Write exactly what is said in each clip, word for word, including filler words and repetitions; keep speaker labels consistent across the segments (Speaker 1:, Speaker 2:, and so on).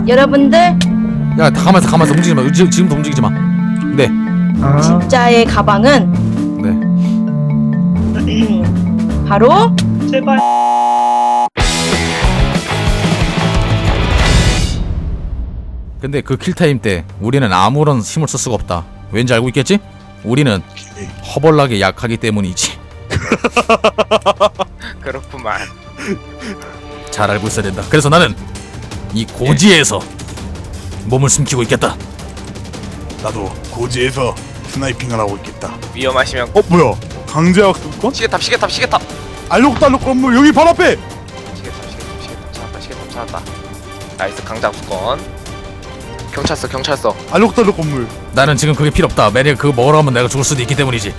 Speaker 1: 여러분들
Speaker 2: 야 가만있어 가만있어 움직이지마 지금, 지금도 움직이지마. 네.
Speaker 3: 아,
Speaker 1: 진짜의 가방은
Speaker 2: 네.
Speaker 1: 바로
Speaker 3: 제발.
Speaker 2: 근데 그 킬타임 때 우리는 아무런 힘을 쓸 수가 없다. 왠지 알고 있겠지? 우리는 허벌나게 약하기 때문이지.
Speaker 4: 그렇구만.
Speaker 2: 잘 알고 있어야 된다. 그래서 나는 이 고지에서 몸을 숨기고 있겠다.
Speaker 5: 나도 고지에서 스나이핑을 하고 있겠다.
Speaker 4: 위험하시면
Speaker 5: 어 뭐야? 강제학습권?
Speaker 4: 시계탑 시계탑 시계탑
Speaker 5: 알록달록 건물 여기 바로 앞에.
Speaker 4: 시계탑 시계탑 시계탑 찾았다 시계탑 찾았다. 나이스 강장수건. 경찰서 경찰서.
Speaker 5: 알록달록 건물.
Speaker 2: 나는 지금 그게 필요 없다. 만약 그거 먹으러 가면 내가 죽을 수도 있기 때문이지.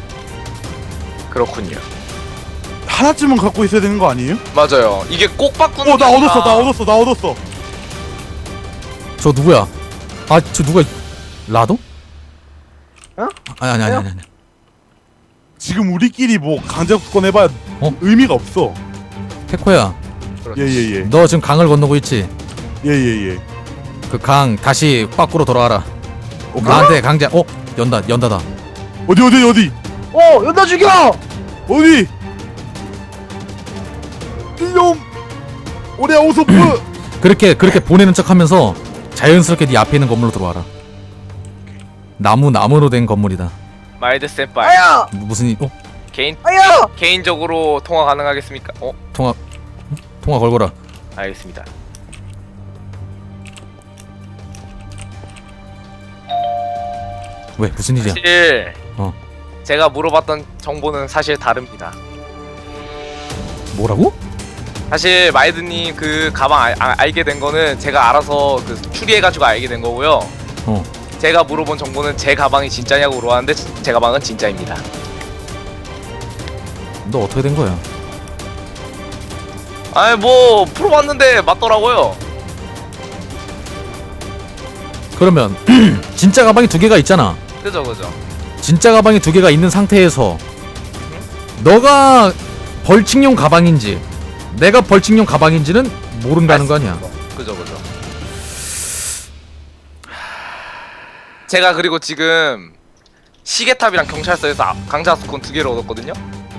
Speaker 4: 그렇군요.
Speaker 5: 하나쯤은 갖고 있어야 되는 거 아니에요?
Speaker 4: 맞아요. 이게 꼭 바꾸는.
Speaker 5: 어 나
Speaker 4: 게
Speaker 5: 얻었어,
Speaker 4: 아니라-
Speaker 5: 나 얻었어, 나 얻었어.
Speaker 2: 저 누구야? 아 저 누가 라도?
Speaker 3: 어?
Speaker 2: 아니 아니 아니 아니. 아니.
Speaker 5: 지금 우리끼리 뭐 강제학습권 해봐야
Speaker 2: 어?
Speaker 5: 의미가 없어.
Speaker 2: 태코야,
Speaker 4: 그렇지.
Speaker 5: 예예예,
Speaker 2: 너 지금 강을 건너고 있지?
Speaker 5: 예예예.
Speaker 2: 그 강 다시 밖으로 돌아와라.
Speaker 5: 오케이.
Speaker 2: 나한테 강제. 어? 연다 연다다.
Speaker 5: 어디 어디 어디
Speaker 3: 어, 연다 죽여.
Speaker 5: 어디? 이놈 오레 오소프.
Speaker 2: 그렇게 그렇게 보내는 척하면서 자연스럽게 네 앞에 있는 건물로 들어와라. 나무 나무로 된 건물이다.
Speaker 4: 마일드 센파이.
Speaker 3: 아야,
Speaker 2: 무- 무슨 일? 어?
Speaker 4: 개인
Speaker 3: 아야.
Speaker 4: 개인적으로 통화 가능하겠습니까? 어?
Speaker 2: 통화 통화 걸거라.
Speaker 4: 알겠습니다.
Speaker 2: 왜 무슨 일이야?
Speaker 4: 사실
Speaker 2: 어.
Speaker 4: 제가 물어봤던 정보는 사실 다릅니다.
Speaker 2: 뭐라고?
Speaker 4: 사실 마이드님 그 가방 알, 아, 알게 된 거는 제가 알아서 그 추리해가지고 알게 된 거고요.
Speaker 2: 어.
Speaker 4: 제가 물어본 정보는 제 가방이 진짜냐고 물어봤는데 제 가방은 진짜입니다.
Speaker 2: 너 어떻게 된 거야?
Speaker 4: 아니 뭐 풀어봤는데 맞더라고요.
Speaker 2: 그러면 진짜 가방이 두 개가 있잖아.
Speaker 4: 그죠 그죠.
Speaker 2: 진짜 가방이 두 개가 있는 상태에서 너가 벌칙용 가방인지 내가 벌칙용 가방인지는 모른다는 거 아니야.
Speaker 4: 그죠 그죠. 제가 그리고 지금 시계탑이랑 경찰서에서 아- 강자수권 두 개를 얻었거든요.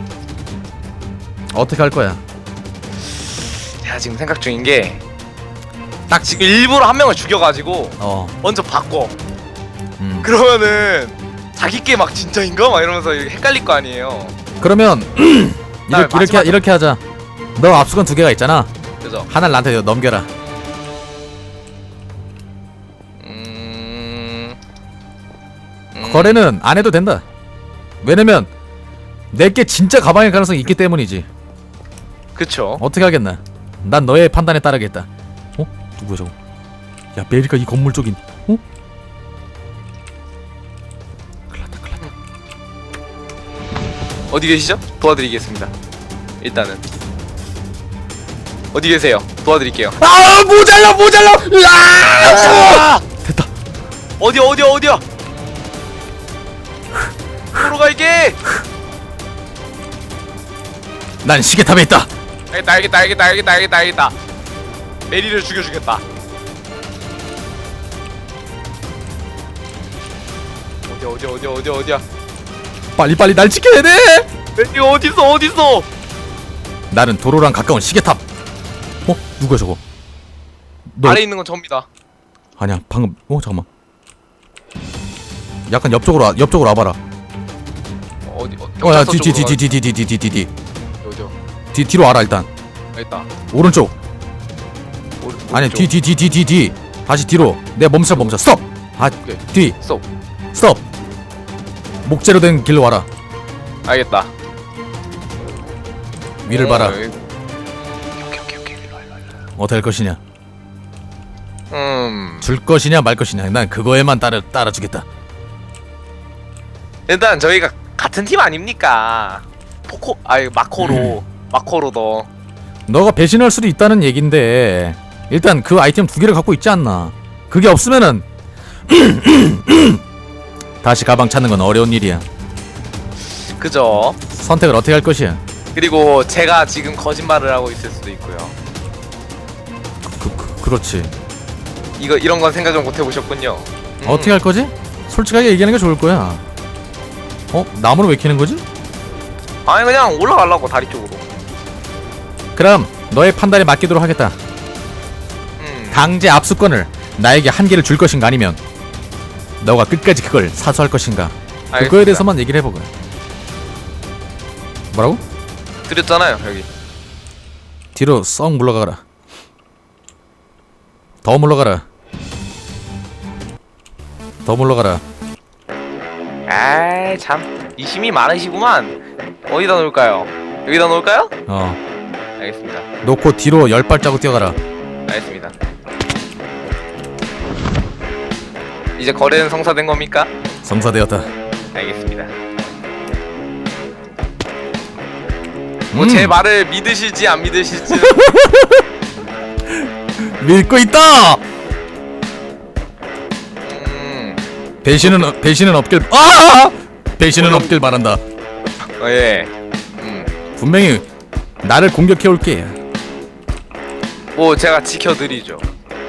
Speaker 2: 어떻게 할 거야?
Speaker 4: 제가 지금 생각 중인 게
Speaker 2: 딱
Speaker 4: 지금 일부러 한 명을 죽여가지고
Speaker 2: 어.
Speaker 4: 먼저 바꿔.
Speaker 2: 음.
Speaker 4: 그러면은 자기 게 막 진짜인가? 막 이러면서 헷갈릴 거 아니에요.
Speaker 2: 그러면
Speaker 4: 나
Speaker 2: 이렇게 이렇게,
Speaker 4: 마지막에-
Speaker 2: 이렇게 하자. 너 압수권 두 개가 있잖아.
Speaker 4: 그죠?
Speaker 2: 하나를 나한테 넘겨라.
Speaker 4: 음... 음...
Speaker 2: 거래는 안 해도 된다. 왜냐면 내게 진짜 가방일 가능성이 있기 때문이지.
Speaker 4: 그쵸.
Speaker 2: 어떻게 하겠나? 난 너의 판단에 따르겠다. 어? 누구야 저거? 야 메리카 이 건물 쪽인. 어? 큰일났다 큰일났다.
Speaker 4: 어디 계시죠? 도와드리겠습니다. 일단은 어디 계세요? 도와드릴게요.
Speaker 2: 아 모자라 모자라. 으아! 됐다.
Speaker 4: 어디야 어디야 어디야? 으로 갈게.
Speaker 2: 난 시계탑에 있다.
Speaker 4: 알겠다 알겠다 알겠다 알겠다 알겠다 알겠다. 메리를 죽여주겠다. 어디야 어디야 어디야 어디야 어디야?
Speaker 2: 빨리 빨리 날 지켜야 돼.
Speaker 4: 메리 어딨어 어딨어?
Speaker 2: 나는 도로랑 가까운 시계탑. 어? 누구야 저거? 너
Speaker 4: 아래 있는 건 접니다.
Speaker 2: 아니야 방금. 어 잠깐만. 약간 옆쪽으로 와, 옆쪽으로 와봐라.
Speaker 4: 어디 어,
Speaker 2: 어야
Speaker 4: 경찰서
Speaker 2: 뒤 뒤
Speaker 4: 쪽으로
Speaker 2: 뒤 뒤 뒤 뒤 뒤 뒤 뒤
Speaker 4: 가- 어디요?
Speaker 2: 뒤 뒤로 와라 일단.
Speaker 4: 있다.
Speaker 2: 오른쪽.
Speaker 4: 오른-
Speaker 2: 아니
Speaker 4: 오른쪽.
Speaker 2: 뒤 뒤 뒤 뒤 뒤 뒤 다시 뒤로. 내 멈춰 멈춰. 스톱. 아
Speaker 4: 오케이.
Speaker 2: 뒤.
Speaker 4: 스톱.
Speaker 2: 스톱. 목재로 된 길로 와라.
Speaker 4: 알겠다.
Speaker 2: 위를
Speaker 4: 어,
Speaker 2: 봐라.
Speaker 4: 여기. 오케이 오케이 오케이 일로 와 일로 와, 일로
Speaker 2: 어떻게 할 것이냐?
Speaker 4: 와. 음
Speaker 2: 줄 것이냐 말 것이냐. 난 그거에만 따라 따라주겠다.
Speaker 4: 일단 저희가 같은 팀 아닙니까? 포코 아니 마코로 마코로 더
Speaker 2: 너가 배신할 수도 있다는 얘긴데 일단 그 아이템 두 개를 갖고 있지 않나. 그게 없으면은 다시 가방 찾는 건 어려운 일이야.
Speaker 4: 그죠?
Speaker 2: 선택을 어떻게 할 것이야?
Speaker 4: 그리고 제가 지금 거짓말을 하고 있을 수도 있고요.
Speaker 2: 그, 그 그렇지.
Speaker 4: 이거 이런 건 생각을 못 해보셨군요. 음.
Speaker 2: 어떻게 할 거지? 솔직하게 얘기하는 게 좋을 거야. 어? 나무를 왜 캐는 거지?
Speaker 4: 아니 그냥 올라가려고 다리 쪽으로.
Speaker 2: 그럼 너의 판단에 맡기도록 하겠다.
Speaker 4: 음.
Speaker 2: 강제 압수권을 나에게 한 개를 줄 것인가 아니면 너가 끝까지 그걸 사수할 것인가. 그거에
Speaker 4: 알겠습니다.
Speaker 2: 대해서만 얘기를 해보고. 뭐라고?
Speaker 4: 드렸잖아요 여기.
Speaker 2: 뒤로 썩 물러가라. 더 물러가라. 더 물러가라.
Speaker 4: 아이 참 이심이 많으시구만. 어디다 놓을까요? 여기다 놓을까요?
Speaker 2: 어.
Speaker 4: 알겠습니다.
Speaker 2: 놓고 뒤로 열 발자국 뛰어가라.
Speaker 4: 알겠습니다. 이제 거래는 성사된 겁니까?
Speaker 2: 성사되었다.
Speaker 4: 알겠습니다. 뭐 제
Speaker 2: 음.
Speaker 4: 말을 믿으실지 안 믿으실지.
Speaker 2: 믿고 있다.
Speaker 4: 음.
Speaker 2: 배신은 배신은 없길. 아! 배신은 없길 바란다.
Speaker 4: 어, 예. 음.
Speaker 2: 분명히 나를 공격해 올게.
Speaker 4: 뭐 제가 지켜드리죠.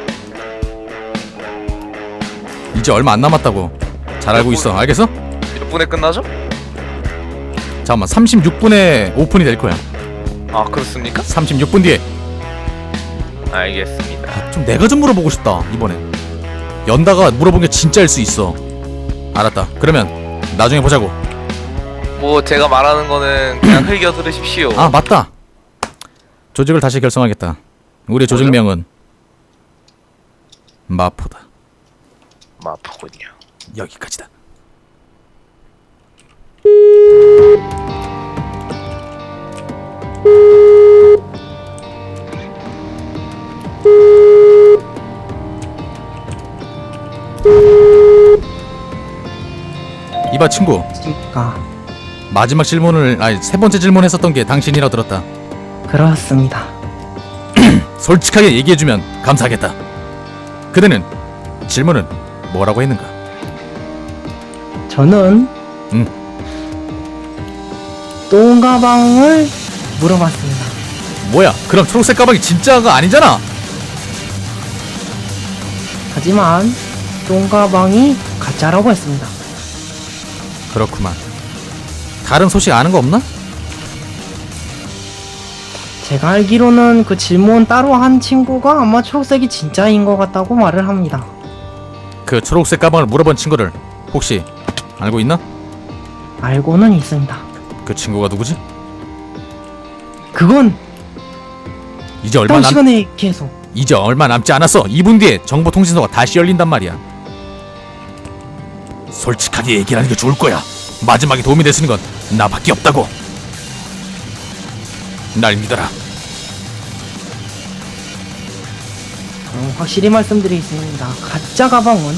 Speaker 2: 이제 얼마 안 남았다고. 잘 알고 있어. 알겠어?
Speaker 4: 몇 분에 끝나죠?
Speaker 2: 잠깐만. 삼십육 분에 오픈이 될 거야.
Speaker 4: 아 그렇습니까?
Speaker 2: 삼십육 분 뒤에.
Speaker 4: 알겠습니다.
Speaker 2: 좀 내가 좀 물어보고 싶다. 이번엔. 연다가 물어본 게 진짜일 수 있어. 알았다. 그러면 나중에 보자고.
Speaker 4: 뭐 제가 말하는 거는 그냥 흘겨 들으십시오.
Speaker 2: 아 맞다. 조직을 다시 결성하겠다. 우리의 조직명은 마포다.
Speaker 4: 마포군요.
Speaker 2: 여기까지다. 이봐 친구.
Speaker 6: 그러니까
Speaker 2: 마지막 질문을 아니 세 번째 질문했었던 게 당신이라 들었다.
Speaker 6: 그렇습니다.
Speaker 2: 솔직하게 얘기해주면 감사하겠다. 그대는 질문은 뭐라고 했는가?
Speaker 6: 저는
Speaker 2: 응.
Speaker 6: 똥 가방을 물어봤습니다.
Speaker 2: 뭐야? 그럼 초록색 가방이 진짜가 아니잖아.
Speaker 6: 하지만 똥 가방이 가짜라고 했습니다.
Speaker 2: 그렇구만. 다른 소식 아는 거 없나?
Speaker 6: 제가 알기로는 그 질문 따로 한 친구가 아마 초록색이 진짜인 것 같다고 말을 합니다.
Speaker 2: 그 초록색 가방을 물어본 친구를 혹시 알고 있나?
Speaker 6: 알고는 있습니다.
Speaker 2: 그 친구가 누구지?
Speaker 6: 그건
Speaker 2: 이제 얼마
Speaker 6: 다음
Speaker 2: 남
Speaker 6: 시간에 계속.
Speaker 2: 이제 얼마 남지 않았어. 이 분 뒤에 정보통신소가 다시 열린단 말이야. 솔직하게 얘기하는 게 좋을 거야. 마지막에 도움이 될 수 있는 건 나밖에 없다고. 날 믿어라.
Speaker 6: 음, 확실히 말씀드리겠습니다. 가짜 가방은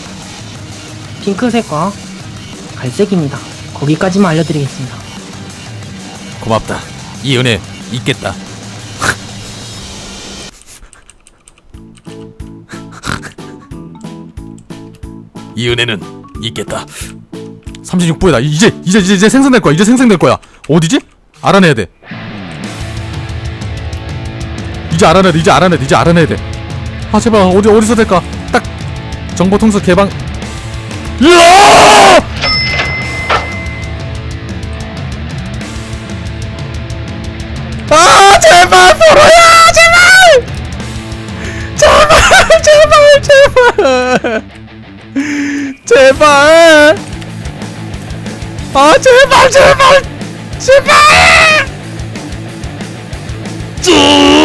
Speaker 6: 핑크색과 갈색입니다. 거기까지만 알려드리겠습니다.
Speaker 2: 고맙다. 이 은혜 있겠다. 이 은혜는 있겠다. 삼십육 분이다. 이제 이제 이제, 이제 생성될 거야. 이제 생성될 거야. 어디지? 알아내야 돼. 이제 알아내야 돼. 이제 알아내야 돼. 이제 알아내야 돼. 아 제발 어디 어디서 될까? 딱 정보통수 개방. 으아! 아 제발 포로야 제발 제발 제발 제발 제발 아 제발 제발 제발 쭉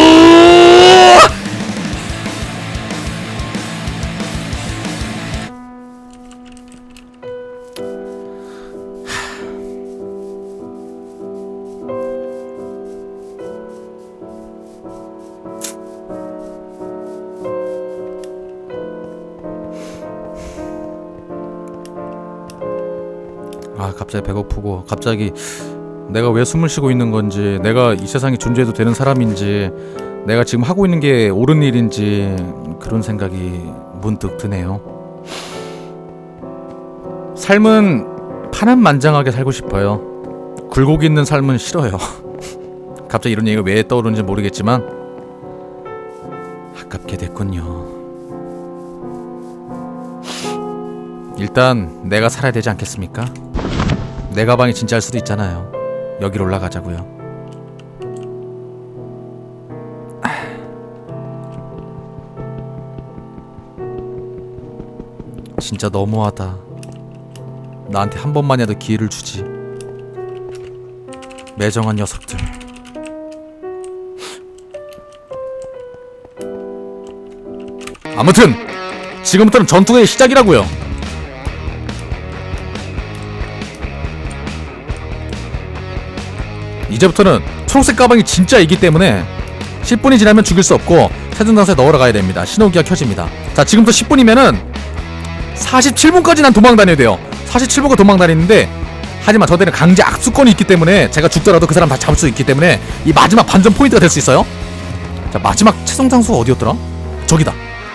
Speaker 2: 아 갑자기 배고프고 갑자기 내가 왜 숨을 쉬고 있는 건지 내가 이 세상에 존재해도 되는 사람인지 내가 지금 하고 있는 게 옳은 일인지 그런 생각이 문득 드네요. 삶은 파란만장하게 살고 싶어요. 굴곡 있는 삶은 싫어요. 갑자기 이런 얘기가 왜 떠오르는지 모르겠지만 아깝게 됐군요. 일단 내가 살아야 되지 않겠습니까? 내 가방이 진짜일 수도 있잖아요. 여기로 올라가자고요. 진짜 너무하다. 나한테 한 번만이라도 기회를 주지. 매정한 녀석들. 아무튼 지금부터는 전투의 시작이라고요. 이제부터는 초록색 가방이 진짜이기 때문에 십 분이 지나면 죽일 수 없고 세준장소에 넣으러 가야 됩니다. 신호기가 켜집니다. 자, 지금부터 십 분이면은 사십칠 분까지 난 도망 다녀야 돼요. 사십칠 분간 도망 다니는데, 하지만 저들은 강제 악수권이 있기 때문에 제가 죽더라도 그 사람 다 잡을 수 있기 때문에 이 마지막 반전 포인트가 될 수 있어요. 자, 마지막 최종 장소가 어디였더라? 저기다.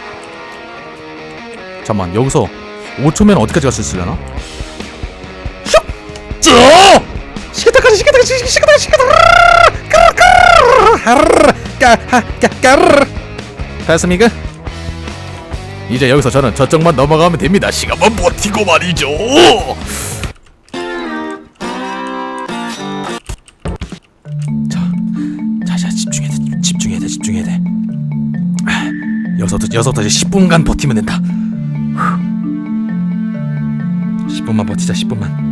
Speaker 2: 잠깐만, 여기서 오 초면 어디까지 갈 수 있으려나? 슉! 쭉! 시계타까지 시계타까지 시계타까지 시계타까지 됐습니까? 이제 여기서 저는 저쪽만 넘어가면 됩니다. 시간만 버티고 말이죠. 자, 자, 자, 집중해야 돼, 집중해야 돼, 집중해야 돼. 아, 여기서부터 여기서부터 이제 십 분간 버티면 된다. 십 분만 버티자, 십 분만.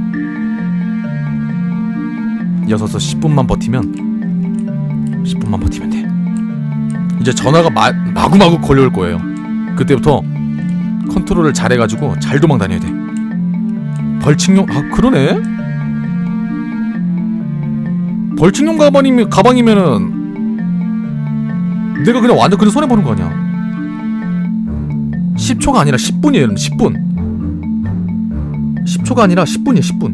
Speaker 2: 여기서부터 십 분만 버티면, 십 분만 버티면 돼. 이제 전화가 마, 마구마구 걸려올 거예요. 그때부터 컨트롤을 잘해가지고 잘 도망 다녀야 돼. 벌칙용, 아 그러네. 벌칙용 가방이면 가방이면은 내가 그냥 완전 그냥 손해 보는 거 아니야. 십 초가 아니라 십 분이에요. 십 분. 십 초가 아니라 십 분이에요. 십 분.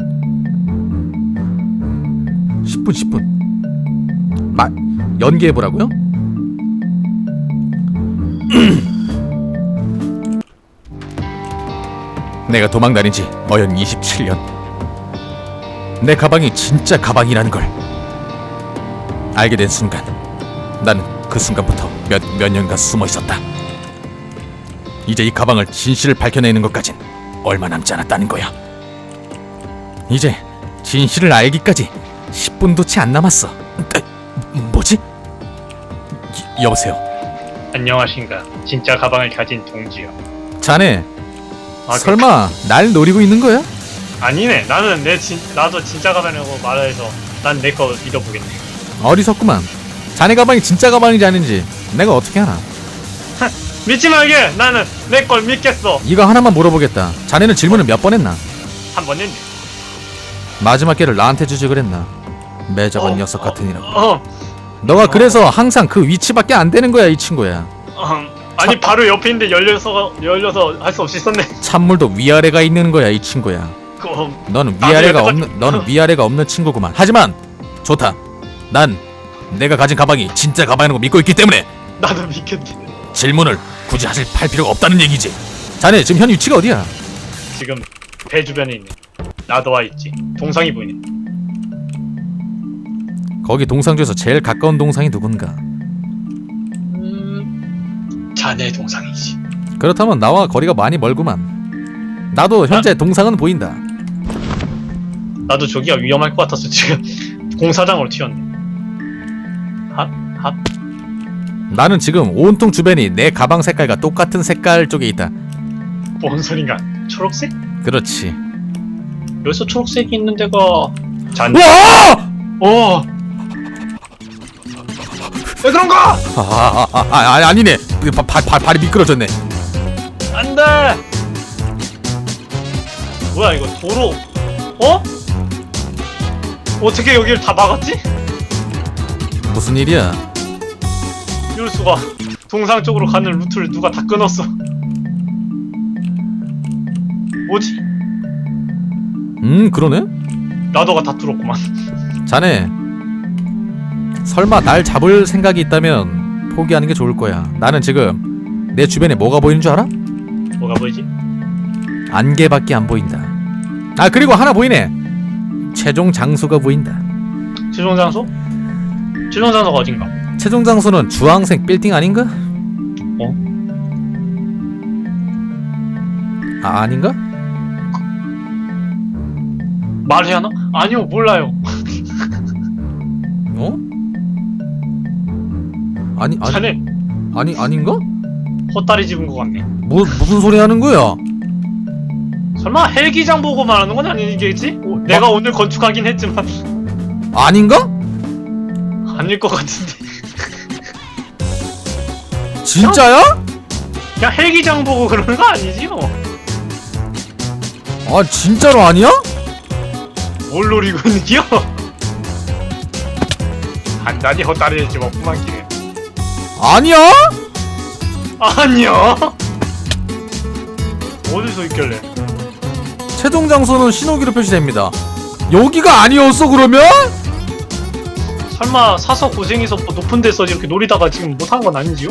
Speaker 2: 십 분, 십 분. 마, 연기해 보라고요? 내가 도망다닌 지 어연 이십칠 년. 내 가방이 진짜 가방이라는 걸 알게 된 순간, 나는 그 순간부터 몇, 몇 년간 숨어 있었다. 이제 이 가방을 진실을 밝혀내는 것까진 얼마 남지 않았다는 거야. 이제 진실을 알기까지 십 분도 채 안 남았어. 에, 뭐지? 이, 여보세요?
Speaker 7: 안녕하신가. 진짜 가방을 가진 동지요.
Speaker 2: 자네
Speaker 7: 아,
Speaker 2: 설마 날 노리고 있는 거야?
Speaker 7: 아니네. 나는 내 진, 나도 진짜 가방이라고 말해서 난 내 거 믿어보겠네.
Speaker 2: 어리석구만. 자네 가방이 진짜 가방인지 아닌지 내가 어떻게 하나.
Speaker 7: 믿지 말게. 나는 내 걸 믿겠어.
Speaker 2: 이거 하나만 물어보겠다. 자네는 질문을 몇 번 했나?
Speaker 7: 한 번 했네.
Speaker 2: 마지막 기회를 나한테 주지 그랬나? 매정한
Speaker 7: 어,
Speaker 2: 녀석 같으니라고.
Speaker 7: 어,
Speaker 2: 너가 그래서 항상 그 위치밖에 안 되는 거야, 이 친구야.
Speaker 7: 어 아니 바로 옆에 있는데 열려서 열려서 할 수 없이 있었네.
Speaker 2: 찬물도 위아래가 있는 거야, 이 친구야.
Speaker 7: 그,
Speaker 2: 너는
Speaker 7: 나도
Speaker 2: 위아래가
Speaker 7: 여태까지-
Speaker 2: 없는 너는 위아래가 없는 친구구만. 하지만 좋다. 난 내가 가진 가방이 진짜 가방이라는 거 믿고 있기 때문에
Speaker 7: 나도 믿겠네.
Speaker 2: 질문을 굳이 하실 할 필요가 없다는 얘기지. 자네 지금 현 위치가 어디야?
Speaker 7: 지금 배 주변에 있네. 나도 와 있지. 동상이 보이네.
Speaker 2: 거기 동상 중에서 제일 가까운 동상이 누군가?
Speaker 7: 음, 자네 동상이지.
Speaker 2: 그렇다면 나와 거리가 많이 멀구만. 나도 현재 동상은 보인다.
Speaker 7: 나도 저기가 위험할 것 같아서 지금 공사장으로 튀었네. 핫? 핫?
Speaker 2: 나는 지금 온통 주변이 내 가방 색깔과 똑같은 색깔 쪽에 있다.
Speaker 7: 뭔 소린가? 초록색?
Speaker 2: 그렇지.
Speaker 7: 여기서 초록색이 있는 데가 잔.
Speaker 2: 와!
Speaker 7: 어. 왜 그런가?
Speaker 2: 아, 아, 아, 아, 아 아니네. 발, 발, 발, 발이 미끄러졌네.
Speaker 7: 안돼. 뭐야 이거 도로? 어? 어떻게 여기를 다 막았지?
Speaker 2: 무슨 일이야?
Speaker 7: 이럴 수가. 동상 쪽으로 가는 루트를 누가 다 끊었어. 뭐지?
Speaker 2: 음, 그러네.
Speaker 7: 나도가 다 뚫었구만.
Speaker 2: 자네 설마 날 잡을 생각이 있다면 포기하는 게 좋을 거야. 나는 지금 내 주변에 뭐가 보이는 줄 알아?
Speaker 7: 뭐가 보이지?
Speaker 2: 안개밖에 안 보인다. 아, 그리고 하나 보이네. 최종 장소가 보인다.
Speaker 7: 최종 장소? 최종 장소가 어딘가?
Speaker 2: 최종 장소는 주황색 빌딩 아닌가?
Speaker 7: 어?
Speaker 2: 아, 아닌가?
Speaker 7: 말해야 하나? 아니요 몰라요.
Speaker 2: 어? 아니 아니
Speaker 7: 자네
Speaker 2: 아니 아닌가?
Speaker 7: 헛다리 집은 것 같네.
Speaker 2: 뭐 무슨 소리 하는 거야?
Speaker 7: 설마 헬기장 보고 말하는 건 아니겠지? 오, 내가 오늘 건축하긴 했지만
Speaker 2: 아닌가?
Speaker 7: 아닐 것 같은데.
Speaker 2: 진짜야?
Speaker 7: 그냥 헬기장 보고 그러는 거 아니지요?
Speaker 2: 아 진짜로 아니야?
Speaker 7: 뭘 노리고 있는겨? 단단히 헛다리를 집었구만 기네.
Speaker 2: 아니야?
Speaker 7: 아니야? 어디서 있길래?
Speaker 2: 최종 장소는 신호기로 표시됩니다. 여기가 아니었어 그러면?
Speaker 7: 설마 사서 고생해서 뭐 높은 데서 이렇게 노리다가 지금 못한 건 아니지요?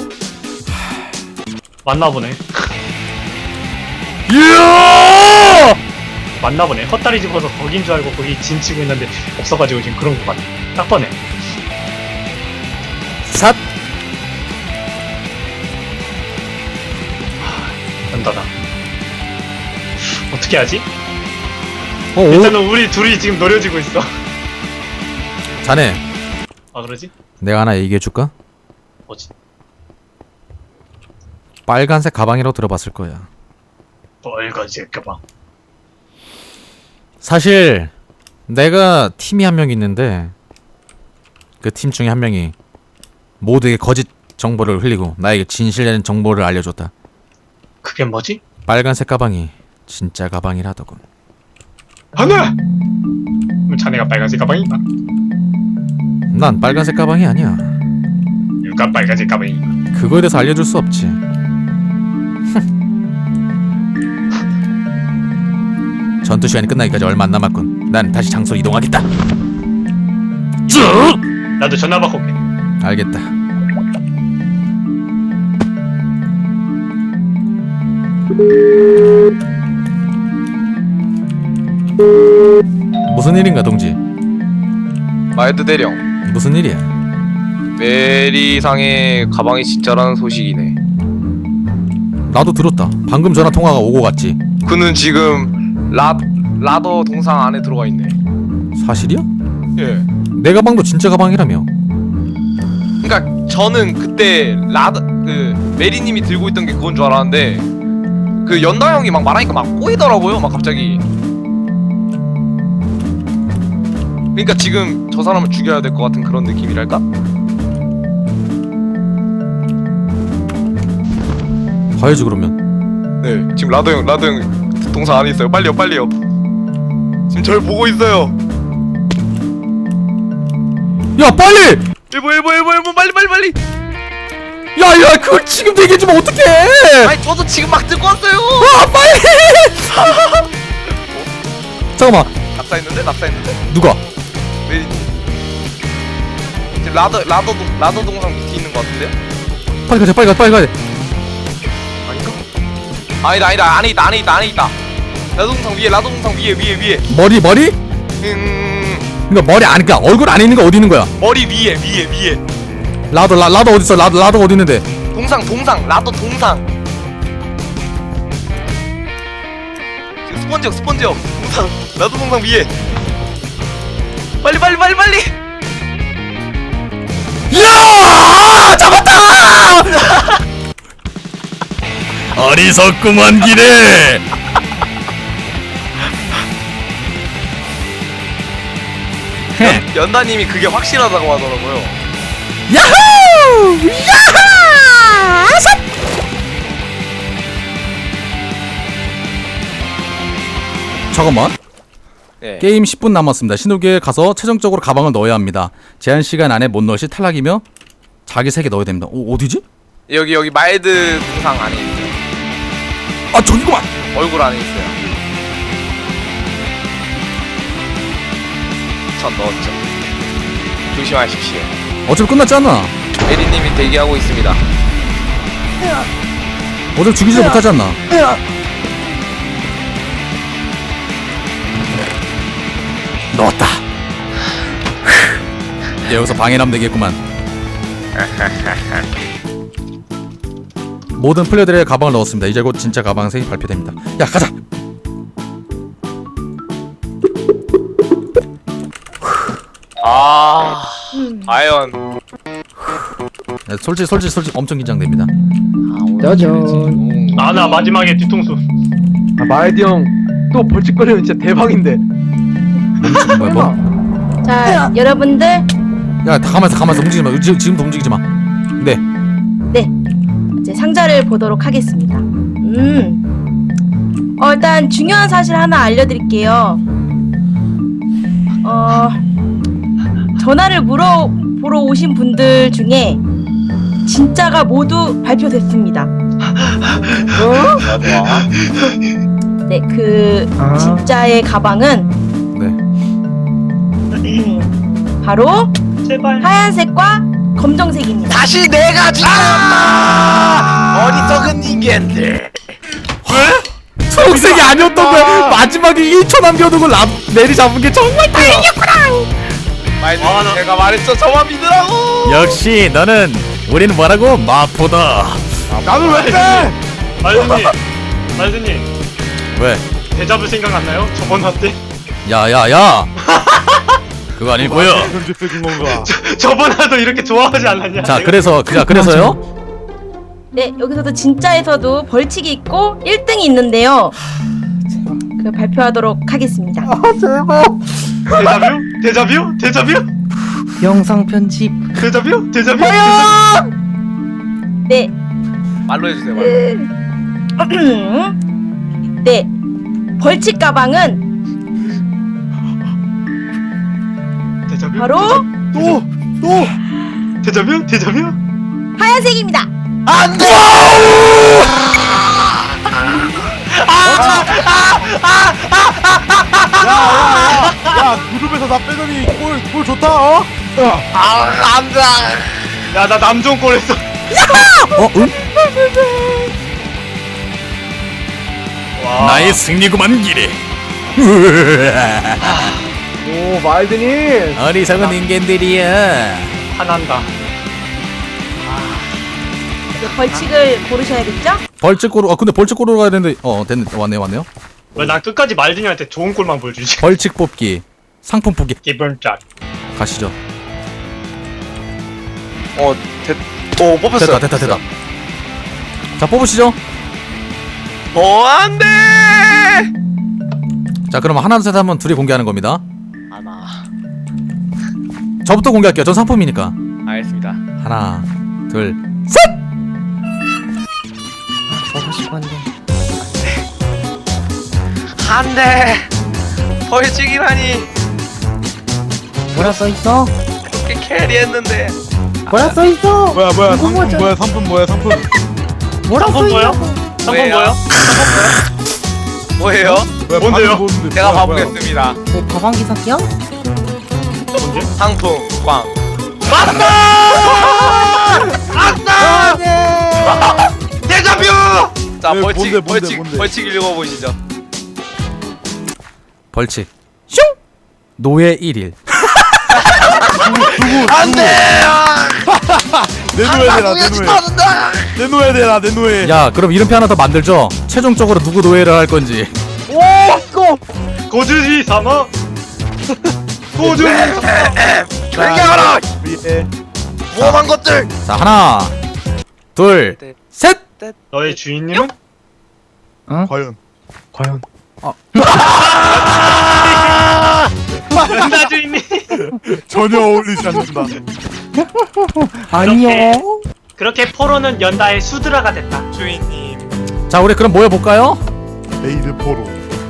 Speaker 7: 맞나보네.
Speaker 2: 이야!
Speaker 7: 맞나보네. 헛다리 집어서 거긴 줄 알고 거기 진 치고 있는데 없어가지고 지금 그런 것 같네. 딱 보네.
Speaker 2: 삿!
Speaker 7: 연다다. 어떻게 하지?
Speaker 2: 어, 오,
Speaker 7: 일단은 우리 둘이 지금 노려지고 있어.
Speaker 2: 자네
Speaker 7: 아 그러지?
Speaker 2: 내가 하나 얘기해줄까?
Speaker 7: 뭐지?
Speaker 2: 빨간색 가방이라고 들어봤을 거야.
Speaker 7: 빨간색 가방.
Speaker 2: 사실 내가 팀이 한 명 있는데 그 팀 중에 한 명이 모두에게 거짓 정보를 흘리고 나에게 진실된 정보를 알려줬다.
Speaker 7: 그게 뭐지?
Speaker 2: 빨간색 가방이 진짜 가방이라더군.
Speaker 7: 하나! 그럼 자네가 빨간색 가방인가?
Speaker 2: 난 빨간색 가방이 아니야.
Speaker 7: 누가 빨간색 가방인가?
Speaker 2: 그거에 대해서 알려줄 수 없지. 전투 시간이 끝나기까지 얼마 안 남았군. 난 다시 장소로 이동하겠다. 쭉!
Speaker 7: 나도 전화 받고 올게.
Speaker 2: 알겠다. 무슨 일인가 동지?
Speaker 4: 마이드 대령,
Speaker 2: 무슨 일이야?
Speaker 4: 메리상의 가방이 진짜라는 소식이네.
Speaker 2: 나도 들었다. 방금 전화 통화가 오고 갔지.
Speaker 4: 그는 지금 라 라더 동상 안에 들어가 있네.
Speaker 2: 사실이야?
Speaker 4: 예.
Speaker 2: 내 가방도 진짜 가방이라며.
Speaker 4: 그러니까 저는 그때 라더 그 메리님이 들고 있던 게 그건 줄 알았는데 그 연다 형이 막 말하니까 막 꼬이더라고요. 막 갑자기. 그러니까 지금 저 사람을 죽여야 될 것 같은 그런 느낌이랄까?
Speaker 2: 가야지 그러면.
Speaker 4: 네. 지금 라더 형, 라더 형 동상 안에 있어요. 빨리요, 빨리요. 지금 절 보고 있어요.
Speaker 2: 야 빨리!
Speaker 4: 일본, 일본, 일본, 일본, 빨리, 빨리, 빨리.
Speaker 2: 야야 그걸 지금 얘기해주면 어떡해!
Speaker 4: 아니 저도 지금 막 듣고 왔어요.
Speaker 2: 아 빨리! 잠깐만.
Speaker 4: 낙사했는데, 낙사했는데.
Speaker 2: 누가?
Speaker 4: 메리님. 지금 라더, 라더 동, 라더 동상 밑에 있는 것 같은데요?
Speaker 2: 빨리 가자 빨리 가 빨리 가자.
Speaker 4: 아닌가? 아니다, 아니다, 안에 있다, 안에 있다, 안에 있다. 라더 동상 위에, 라더 동상 위에, 위에, 위에.
Speaker 2: 머리 머리?
Speaker 4: 음,
Speaker 2: 그러니까 머리 안 그러니까 얼굴 안에 있는 거 어디 있는 거야?
Speaker 4: 머리 위에, 위에, 위에.
Speaker 2: 라더 라, 라더 어디 있어? 라더 라더가 어디 있는데?
Speaker 4: 동상, 동상, 라더 동상. 지금 스펀지역, 스펀지역. 동상, 라더 동상 위에. 빨리, 빨리, 빨리, 빨리.
Speaker 2: 야! 잡았다! 어리석구만 기래.
Speaker 4: 연다님이 그게 확실하다고 하더라고요.
Speaker 2: 야호! 야하! 아삿! 잠깐만.
Speaker 4: 네.
Speaker 2: 게임 십 분 남았습니다. 신호기에 가서 최종적으로 가방을 넣어야 합니다. 제한 시간 안에 못 넣을 시 탈락이며 자기 세 개 넣어야 됩니다. 어, 어디지?
Speaker 4: 여기 여기 마일드 동상 안에 있어요.
Speaker 2: 아 저기구만.
Speaker 4: 얼굴 안에 있어요. 전 넣었죠. 조심하십시오.
Speaker 2: 어차피 끝났지 않나?
Speaker 4: 메리님이 대기하고 있습니다.
Speaker 2: 어차피 죽이지 못하지 않나? 넣었다. 이제 여기서 방해하면 되겠구만. 모든 플레이들의 가방을 넣었습니다. 이제 곧 진짜 가방색이 발표됩니다. 야 가자.
Speaker 4: 아
Speaker 1: 음.
Speaker 4: 과연
Speaker 2: 네, 솔직히 솔직히 솔직히 엄청 긴장됩니다.
Speaker 6: 짜잔.
Speaker 7: 아 나 마지막에 뒤통수.
Speaker 3: 아, 마이디 형 또 벌칙거리면 진짜 대박인데.
Speaker 2: 뭐야, 뭐?
Speaker 1: 자, 여러분들,
Speaker 2: 야, 다 가만있어, 가만있어. 움직이지 마. 지금, 지금도 움직이지 마. 네.
Speaker 1: 네. 이제 상자를 보도록 하겠습니다. 음. 어, 일단 중요한 사실 하나 알려드릴게요. 어, 전화를 물어보러 오신 분들 중에 진짜가 모두 발표됐습니다.
Speaker 3: 어?
Speaker 4: 좋아 좋아.
Speaker 1: 네, 그
Speaker 6: 아.
Speaker 1: 진짜의 가방은
Speaker 2: 네.
Speaker 1: 음, 바로
Speaker 7: 제발.
Speaker 1: 하얀색과 검정색입니다.
Speaker 4: 다시 내가 죽였다. 어리석은 인간들.
Speaker 2: 초록색이 아니었던 거야. 마지막에 일 초 남겨두고 라, 내리 잡은 게 정말 다행이었구나.
Speaker 4: 말도
Speaker 7: 아, 나-
Speaker 4: 제가 말했죠. 저만 믿으라고.
Speaker 2: 역시 너는 우리는 뭐라고? 마포다.
Speaker 3: 나는 왜 빼?
Speaker 7: 말드님, 말드님
Speaker 2: 왜?
Speaker 7: 대자뷰 생각 안 나요? 저번 화 때?
Speaker 2: 야야야. 그거 아니고요.
Speaker 5: 현재 쓰는 건가?
Speaker 7: 저번 화도 이렇게 좋아하지 않았냐?
Speaker 2: 자 그래서 그자 그래서요.
Speaker 1: 네, 여기서도 진짜에서도 벌칙이 있고 일 등이 있는데요. 그 발표하도록 하겠습니다.
Speaker 7: 대자뷰? 대자뷰? 대자뷰?
Speaker 6: 영상 편집.
Speaker 7: 대자뷰? 대자뷰?
Speaker 1: 네,
Speaker 4: 말로 해주세요. 말로.
Speaker 1: 네, 벌칙 가방은
Speaker 7: 대자뷰?
Speaker 1: 바로
Speaker 5: 또! 또!
Speaker 7: 대자뷰? 대자뷰?
Speaker 1: 하얀색입니다.
Speaker 4: 안돼.
Speaker 5: 야, 무릎에서 나 빼더니 골, 골 좋다, 어?
Speaker 4: 아 안돼.
Speaker 7: 야, 나 남종 꼴했어.
Speaker 2: 어? 응?
Speaker 7: 와.
Speaker 2: 나의 승리구만 기래.
Speaker 3: 오, 마이드님.
Speaker 2: 어리석은 인간들이야.
Speaker 7: 화난다.
Speaker 1: 그 벌칙을 고르셔야겠죠?
Speaker 2: 벌칙고로. 아 근데 벌칙고로 가야 되는데. 어 됐네. 왔네 왔네요.
Speaker 7: 왜 난 끝까지 말드님한테 좋은 꼴만 보여주지?
Speaker 2: 벌칙 뽑기. 상품 뽑기.
Speaker 7: 기분 짝.
Speaker 2: 가시죠.
Speaker 4: 어 됐. 오 뽑혔어요.
Speaker 2: 됐다 됐다 됐다. 자 뽑으시죠.
Speaker 4: 어 안돼.
Speaker 2: 자 그럼 하나 둘 셋 하면 둘이 공개하는 겁니다.
Speaker 4: 하나.
Speaker 2: 저부터 공개할게요. 전 상품이니까.
Speaker 4: 알겠습니다.
Speaker 2: 하나 둘.
Speaker 6: 보고 싶었는데.
Speaker 4: 안돼. 벌칙이라니.
Speaker 6: 뭐라 써있어?
Speaker 4: 그렇게 캐리했는데.
Speaker 6: 뭐라 써있어?
Speaker 5: 뭐야, 뭐야,
Speaker 6: 이거
Speaker 5: 상품
Speaker 6: 뭐죠?
Speaker 5: 뭐야, 상품 뭐야, 상품.
Speaker 6: 뭐라
Speaker 7: 상품 뭐야?
Speaker 6: 써있어?
Speaker 7: 상품
Speaker 4: 뭐예요?
Speaker 7: 뭐야?
Speaker 4: 뭐예요?
Speaker 5: 뭐야,
Speaker 7: 뭔데요?
Speaker 5: 방금 보는데
Speaker 4: 제가
Speaker 5: 뭐야, 뭐야.
Speaker 4: 봐보겠습니다.
Speaker 6: 뭐 가방기 사기야?
Speaker 7: 뭔데?
Speaker 4: 상품 꽝. 대자뷰! 자
Speaker 5: 네,
Speaker 4: 벌칙
Speaker 5: 뭔데, 뭔데,
Speaker 4: 벌칙
Speaker 5: 뭔데?
Speaker 4: 벌칙 읽어보시죠.
Speaker 2: 벌칙. 슝. 노예 일 일.
Speaker 4: 안돼!
Speaker 5: 내놓아야 되나, 내놓아야. 내놓아야 되나, 내놓아야.
Speaker 2: 야 그럼 이름표 하나 더 만들죠. 최종적으로 누구 노예를 할 건지.
Speaker 3: 오, 고!
Speaker 7: 고주지 삼아. 고주지.
Speaker 4: 조용히 하라!
Speaker 5: 위에.
Speaker 4: 모험한 것들!
Speaker 2: 자 하나 둘 셋.
Speaker 7: 너의 주인님은?
Speaker 5: 과연.
Speaker 6: 과연.
Speaker 7: 연다 주인님.
Speaker 5: 전혀 어울리지 않는다.
Speaker 6: 아니요.
Speaker 7: 그렇게 포로는 연다의 수드라가 됐다.
Speaker 4: 주인님.
Speaker 2: 자 우리 그럼 모여 볼까요?
Speaker 5: 메이드 포로.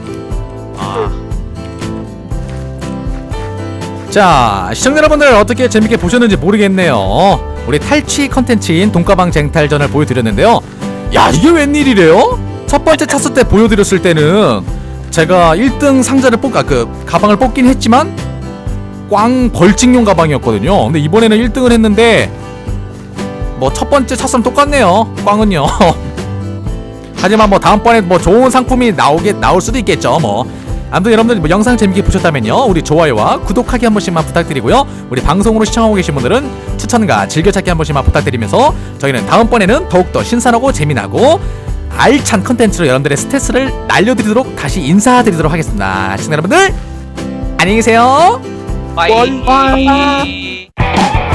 Speaker 2: 자 시청자 여러분들 어떻게 재밌게 보셨는지 모르겠네요. 우리 탈취 컨텐츠인 돈가방 쟁탈전을 보여드렸는데요. 야 이게 웬일이래요? 첫 번째 찼을 때 보여드렸을 때는 제가 일 등 상자를 뽑, 아, 그 가방을 뽑긴 했지만 꽝 벌칙용 가방이었거든요. 근데 이번에는 일 등을 했는데 뭐 첫 번째 찼으면 똑같네요. 꽝은요. 하지만 뭐 다음번에 뭐 좋은 상품이 나오게 나올 수도 있겠죠. 뭐 아무튼 여러분들 뭐 영상 재밌게 보셨다면요 우리 좋아요와 구독하기 한 번씩만 부탁드리고요. 우리 방송으로 시청하고 계신 분들은 추천과 즐겨찾기 한 번씩만 부탁드리면서 저희는 다음번에는 더욱더 신선하고 재미나고 알찬 컨텐츠로 여러분들의 스트레스를 날려드리도록 다시 인사드리도록 하겠습니다. 시청자 여러분들 안녕히 계세요.
Speaker 4: 빠이.
Speaker 6: 빠이.